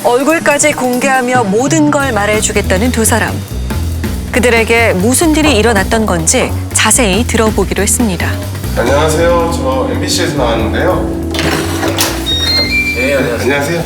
얼굴까지 공개하며 모든 걸 말해주겠다는 두 사람. 그들에게 무슨 일이 일어났던 건지 자세히 들어보기로 했습니다. 안녕하세요. 저 MBC에서 나왔는데요. 네, 안녕하세요.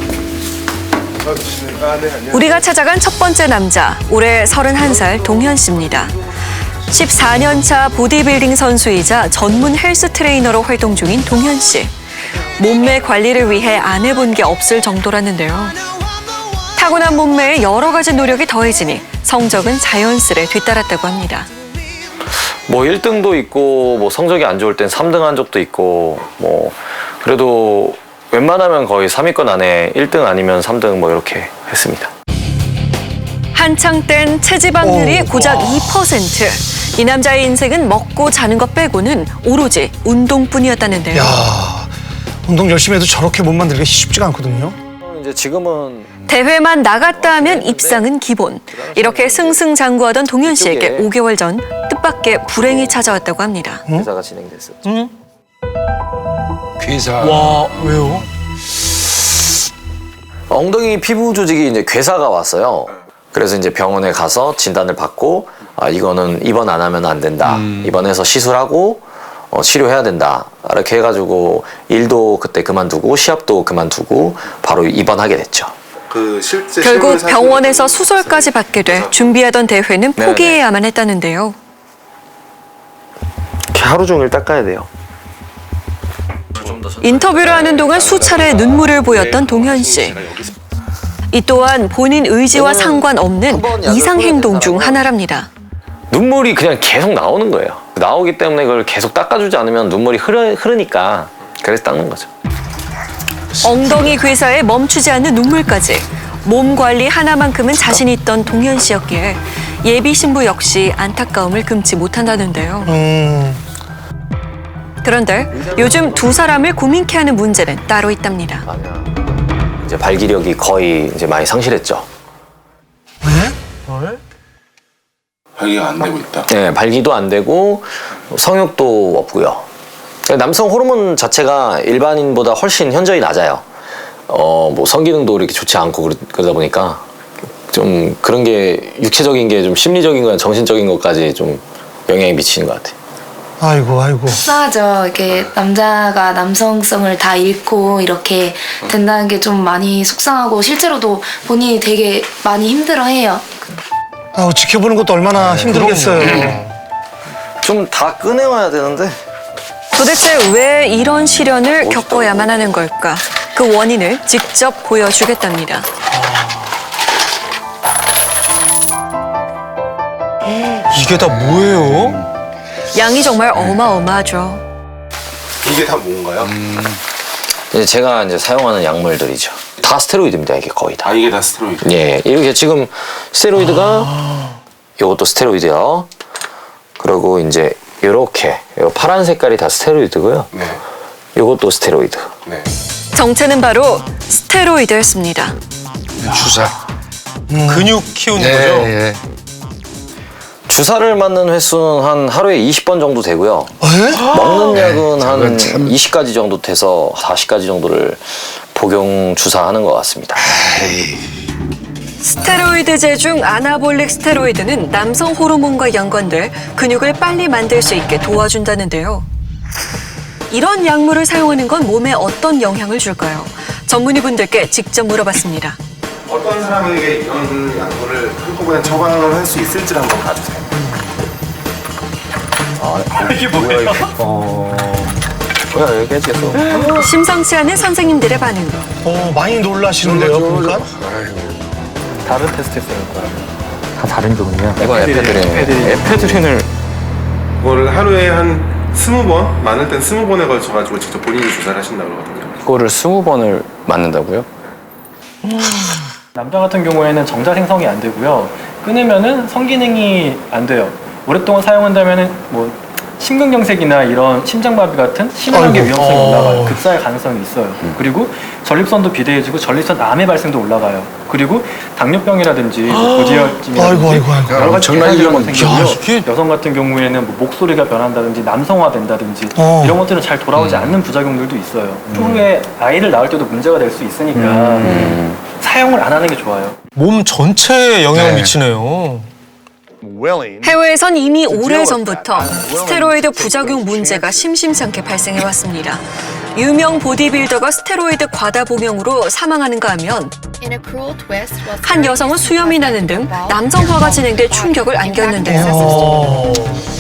안녕하세요. 우리가 찾아간 첫 번째 남자, 올해 31살 동현 씨입니다. 14년 차 보디빌딩 선수이자 전문 헬스 트레이너로 활동 중인 동현 씨. 몸매 관리를 위해 안 해본 게 없을 정도라는데요. 타고난 몸매에 여러 가지 노력이 더해지니 성적은 자연스레 뒤따랐다고 합니다. 뭐 1등도 있고 뭐 성적이 안 좋을 땐 3등 한 적도 있고 뭐 그래도 웬만하면 거의 3위권 안에 1등 아니면 3등 뭐 이렇게 했습니다. 한창 땐 체지방률이 고작 2%. 이 남자의 인생은 먹고 자는 것 빼고는 오로지 운동뿐이었다는데요. 야, 운동 열심히 해도 저렇게 몸 만들기가 쉽지가 않거든요. 이제 지금은 대회만 나갔다 하면 입상은 기본. 이렇게 승승장구하던 동현 씨에게 5개월 전 뜻밖의 불행이 찾아왔다고 합니다. 회사가 진행됐었죠. 괴사. 와, 왜요? 엉덩이 피부 조직이 이제 괴사가 왔어요. 그래서 이제 병원에 가서 진단을 받고 이거는 입원 안 하면 안 된다. 입원해서 시술하고 치료해야 된다. 이렇게 해가지고 일도 그때 그만두고 시합도 그만두고 바로 입원하게 됐죠. 실제 결국 병원에서 수술까지 받게 돼 준비하던 대회는 포기해야만 했다는데요. 이렇게 하루 종일 닦아야 돼요. 인터뷰를 하는 동안 수차례 눈물을 보였던 동현 씨. 이 또한 본인 의지와 상관없는 이상 행동 중 하나랍니다. 눈물이 그냥 계속 나오는 거예요. 나오기 때문에 그걸 계속 닦아주지 않으면 눈물이 흐르니까 그래서 닦는 거죠. 엉덩이 괴사에 멈추지 않는 눈물까지 몸 관리 하나만큼은 자신 있던 동현 씨였기에 예비 신부 역시 안타까움을 금치 못한다는데요. 그런데 요즘 두 사람을 고민케 하는 문제는 따로 있답니다. 이제 발기력이 거의 이제 많이 상실했죠. 발기가 안 되고 있다. 네, 발기도 안 되고 성욕도 없고요. 남성 호르몬 자체가 일반인보다 훨씬 현저히 낮아요. 뭐 성기능도 이렇게 좋지 않고 그러다 보니까 좀 그런 게 육체적인 게 좀 심리적인 거나 정신적인 것까지 좀 영향이 미치는 것 같아요. 아이고. 속상하죠. 이게 남자가 남성성을 다 잃고 이렇게 된다는 게 좀 많이 속상하고 실제로도 본인이 되게 많이 힘들어해요. 아우, 지켜보는 것도 얼마나 힘들겠어요. 좀 다 꺼내와야 되는데. 도대체 왜 이런 시련을 겪어야만 하는 걸까? 그 원인을 직접 보여주겠답니다. 이게 다 뭐예요? 양이 정말 어마어마하죠. 이게 다 뭔가요? 이제 제가 이제 사용하는 약물들이죠. 다 스테로이드입니다. 이게 거의 다. 이게 다 스테로이드. 예, 이렇게 지금 스테로이드가 요것도 스테로이드요. 그리고 이제 요렇게 요 파란 색깔이 다 스테로이드고요. 네. 요것도 스테로이드. 네. 정체는 바로 스테로이드였습니다. 주사. 근육 키우는 예, 거죠? 예. 주사를 맞는 횟수는 한 하루에 20번 정도 되고요. 에? 먹는 약은 한 저건 참- 20가지 정도 돼서 40가지 정도를 복용 주사하는 것 같습니다. 스테로이드제 중 아나볼릭 스테로이드는 남성 호르몬과 연관돼 근육을 빨리 만들 수 있게 도와준다는데요. 이런 약물을 사용하는 건 몸에 어떤 영향을 줄까요? 전문의분들께 직접 물어봤습니다. 어떤 사람에게 이런 약물을 한꺼번에 처방을 할 수 있을지를 한번 봐주세요. 이게 뭐야? 뭐야, 여기 해주겠어. 심상치 않은 선생님들의 반응. 많이 놀라시는데요, 보니까. 다른 테스트 했어요. 다 다른 종류야. 이건 에페드린을 그거를 하루에 한 20번, 많을 땐 20번에 걸쳐가지고 직접 본인이 주사를 하신다고 그러거든요. 그거를 20번을 맞는다고요? 남자 같은 경우에는 정자 생성이 안 되고요. 끊으면은 성기능이 안 돼요. 오랫동안 사용한다면은 뭐 심근경색이나 이런 심장마비 같은 심혈관계 위험성이 올라가요. 급사할 가능성이 있어요. 그리고 전립선도 비대해지고 전립선 암의 발생도 올라가요. 그리고 당뇨병이라든지 고지혈증이라든지 여러 가지 정말 계산적인 이런 생기고요. 여성 같은 경우에는 뭐 목소리가 변한다든지 남성화된다든지 이런 것들은 잘 돌아오지 않는 부작용들도 있어요. 추후에 아이를 낳을 때도 문제가 될 수 있으니까 사용을 안 하는 게 좋아요. 몸 전체에 영향을 미치네요. 해외에선 이미 오래전부터 스테로이드 부작용 문제가 심심찮게 발생해왔습니다. 유명 보디빌더가 스테로이드 과다 복용으로 사망하는가 하면 한 여성은 수염이 나는 등 남성화가 진행돼 충격을 안겼는데요.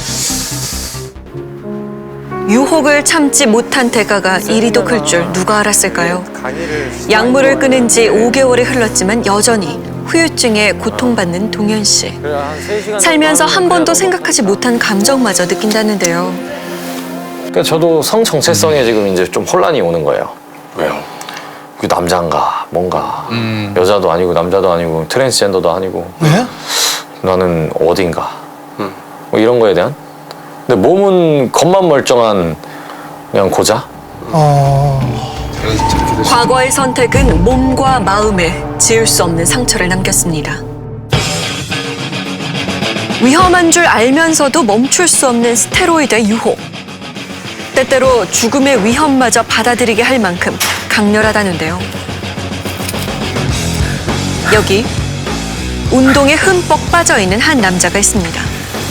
유혹을 참지 못한 대가가 이리도 클 줄 누가 알았을까요? 약물을 끊은 지 5개월이 흘렀지만 여전히 후유증에 고통받는 동현 씨. 살면서 한 번도 생각하지 못한 감정마저 느낀다는데요. 그러니까 저도 성 정체성에 지금 이제 좀 혼란이 오는 거예요. 왜요? 그 남자인가 뭔가 여자도 아니고 남자도 아니고 트랜스젠더도 아니고 네? 나는 어딘가 뭐 이런 거에 대한. 근데 몸은 겉만 멀쩡한 그냥 고자. 과거의 선택은 몸과 마음에 지울 수 없는 상처를 남겼습니다. 위험한 줄 알면서도 멈출 수 없는 스테로이드의 유혹. 때때로 죽음의 위험마저 받아들이게 할 만큼 강렬하다는데요. 여기 운동에 흠뻑 빠져있는 한 남자가 있습니다.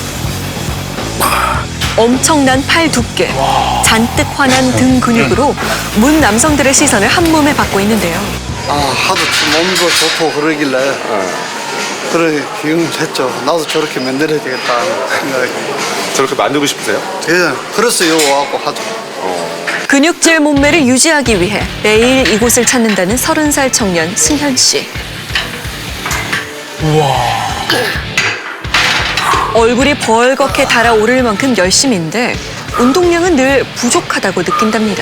엄청난 팔 두께, 잔뜩 환한 등 근육으로 문 남성들의 시선을 한 몸에 받고 있는데요. 하도 몸도 좋고 그러길래 그렇게 기용했죠. 나도 저렇게 만들어야 되겠다 하는 생각이. 저렇게 만들고 싶으세요? 예, 그래서 여기 와갖고 하죠. 근육질 몸매를 유지하기 위해 매일 이곳을 찾는다는 30살 청년 승현 씨. 얼굴이 벌겋게 달아오를 만큼 열심인데 운동량은 늘 부족하다고 느낀답니다.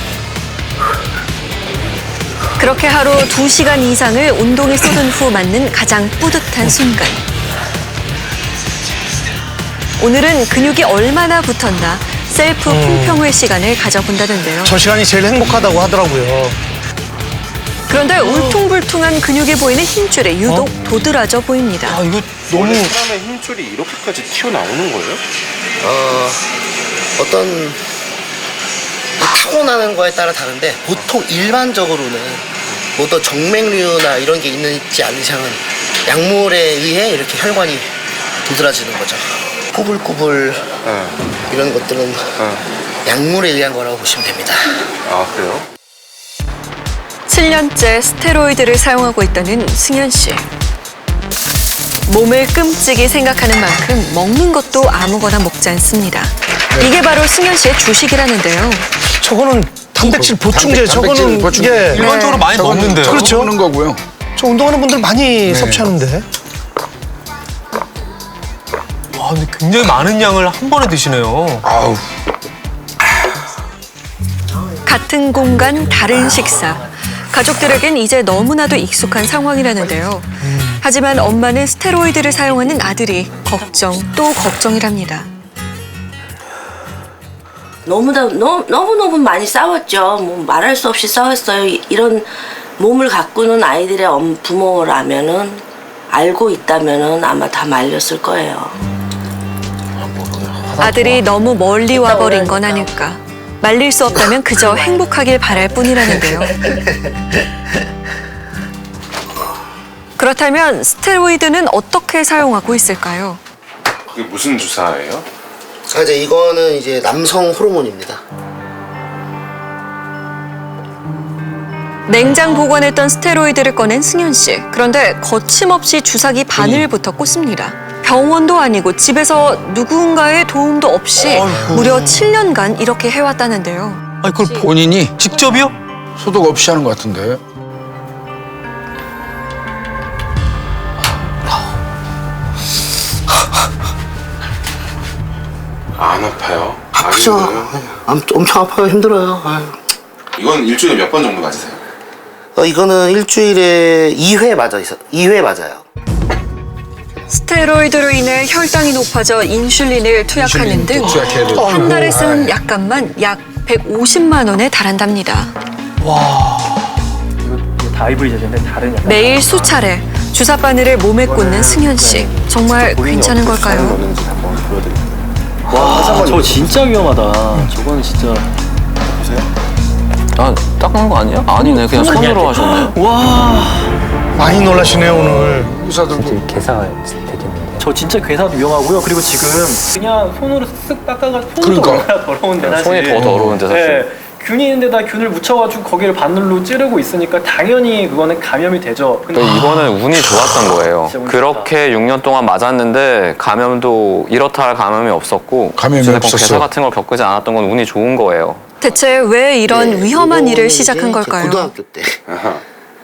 그렇게 하루 2시간 이상을 운동에 쏟은 후 맞는 가장 뿌듯한 순간. 오늘은 근육이 얼마나 붙었나 셀프 품평회 시간을 가져본다는데요. 저 시간이 제일 행복하다고 하더라고요. 그런데 울퉁불퉁한 근육이 보이는 힘줄에 유독 도드라져 보입니다. 이거 너무 원래 사람의 힘줄이 이렇게까지 튀어나오는 거예요? 어떤 타고나는 거에 따라 다른데 보통 일반적으로는 뭐 어떤 정맥류나 이런 게 있지 않는 이상은 약물에 의해 이렇게 혈관이 도드라지는 거죠. 꾸불꾸불 이런 것들은 약물에 의한 거라고 보시면 됩니다. 아, 그래요? 7년째 스테로이드를 사용하고 있다는 승현 씨. 몸을 끔찍이 생각하는 만큼 먹는 것도 아무거나 먹지 않습니다. 이게 바로 승현 씨의 주식이라는데요. 저거는 단백질 보충제. 저거는 예. 일반적으로 많이 먹는데요. 그렇죠. 먹는 거고요. 저 운동하는 분들 많이 섭취하는데. 와, 근데 굉장히 많은 양을 한 번에 드시네요. 아우. 같은 공간, 다른 식사. 가족들에겐 이제 너무나도 익숙한 상황이라는데요. 하지만 엄마는 스테로이드를 사용하는 아들이 또 걱정이랍니다. 너무너무 많이 싸웠죠. 뭐 말할 수 없이 싸웠어요. 이런 몸을 가꾸는 아이들의 부모라면은 알고 있다면은 아마 다 말렸을 거예요. 아들이 너무 멀리 와버린 건 아닐까. 말릴 수 없다면 그저 행복하길 바랄 뿐이라는데요. 그렇다면 스테로이드는 어떻게 사용하고 있을까요? 그게 무슨 주사예요? 이제 이거는 이제 남성 호르몬입니다. 냉장 보관했던 스테로이드를 꺼낸 승현 씨. 그런데 거침없이 주사기 바늘부터 꽂습니다. 병원도 아니고 집에서 누군가의 도움도 없이 무려 7년간 이렇게 해왔다는데요. 아니, 그걸 본인이 직접이요? 소독 없이 하는 것 같은데. 안 아파요? 아프죠? 엄청 아파요. 힘들어요. 아유. 이건 일주일에 몇 번 정도 맞으세요? 이거는 일주일에 2회 맞아요. 2회 맞아요. 스테로이드로 인해 혈당이 높아져 인슐린을 투약하는 등 한 달에 쓰는 약값만 약 150만 원에 달한답니다. 이거 다 IV 제제인데 다른 약간 매일 수차례 주사 바늘을 몸에 꽂는 승현 씨. 정말 괜찮은 걸까요? 넣는지 한번 보여드릴게요. 와, 저거 진짜 위험하다. 저거는 진짜 아, 닦는 거 아니야? 아니네. 그냥 손으로 하셨네. 와. 많이 놀라시네요 오늘. 의사들도. 괴사가 되겠는데. 저 진짜 괴사도 위험하고요. 그리고 지금 그냥 손으로 쓱 닦아가지고 손도 그러니까. 얼마나 더러운데 사실. 손이 더 더러운데 사실. 네. 균이 있는데다 균을 묻혀가지고 거기를 바늘로 찌르고 있으니까 당연히 그거는 감염이 되죠. 근데 이거는 운이 좋았던 거예요. 진짜 운이 그렇게 6년 동안 맞았는데 감염도 이렇다 할 감염이 없었고 감염이 어쨌든 없었어. 괴사 같은 걸 겪지 않았던 건 운이 좋은 거예요. 대체 왜 이런 위험한 일을 시작한 걸까요? 고등학교 때. 아하.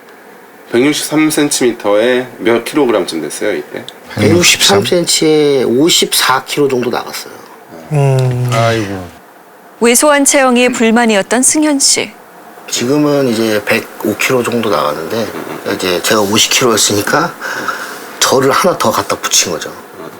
163cm에 몇 킬로그램쯤 됐어요 이때? 163cm에 54kg 정도 나갔어요. 아이고. 왜소한 체형이 불만이었던 승현 씨. 지금은 이제 105kg 정도 나갔는데 이제 제가 50kg였으니까 저를 하나 더 갖다 붙인 거죠.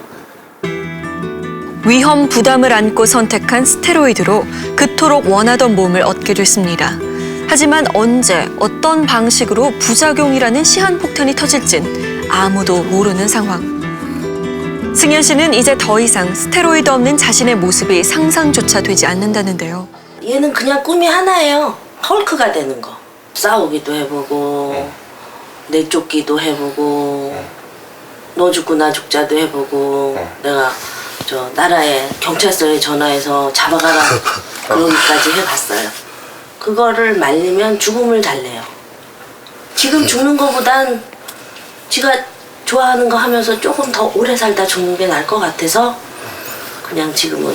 위험 부담을 안고 선택한 스테로이드로 그토록 원하던 몸을 얻게 됐습니다. 하지만 언제 어떤 방식으로 부작용이라는 시한폭탄이 터질진 아무도 모르는 상황. 승현 씨는 이제 더 이상 스테로이드 없는 자신의 모습이 상상조차 되지 않는다는데요. 얘는 그냥 꿈이 하나예요. 헐크가 되는 거. 싸우기도 해보고 내쫓기도 해보고 너 죽고 나 죽자도 해보고 내가 저 나라에 경찰서에 전화해서 잡아가라 그러기까지 해봤어요. 그거를 말리면 죽음을 달래요. 지금 죽는 거보단 지가 좋아하는 거 하면서 조금 더 오래 살다 죽는 게 나을 것 같아서 그냥 지금은.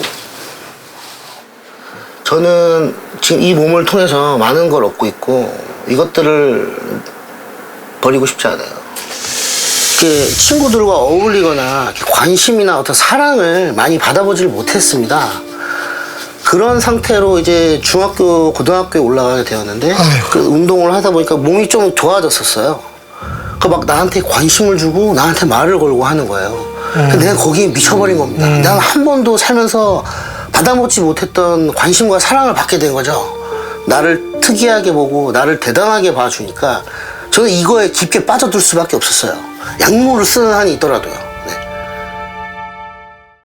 저는 지금 이 몸을 통해서 많은 걸 얻고 있고 이것들을 버리고 싶지 않아요. 이렇게 친구들과 어울리거나 관심이나 어떤 사랑을 많이 받아보질 못했습니다. 그런 상태로 이제 중학교, 고등학교에 올라가게 되었는데 그 운동을 하다 보니까 몸이 좀 좋아졌었어요. 그 막 나한테 관심을 주고 나한테 말을 걸고 하는 거예요. 내가 거기에 미쳐버린 겁니다. 난 한 번도 살면서 받아먹지 못했던 관심과 사랑을 받게 된 거죠. 나를 특이하게 보고 나를 대단하게 봐주니까 저는 이거에 깊게 빠져들 수밖에 없었어요. 약물을 쓰는 한이 있더라도요.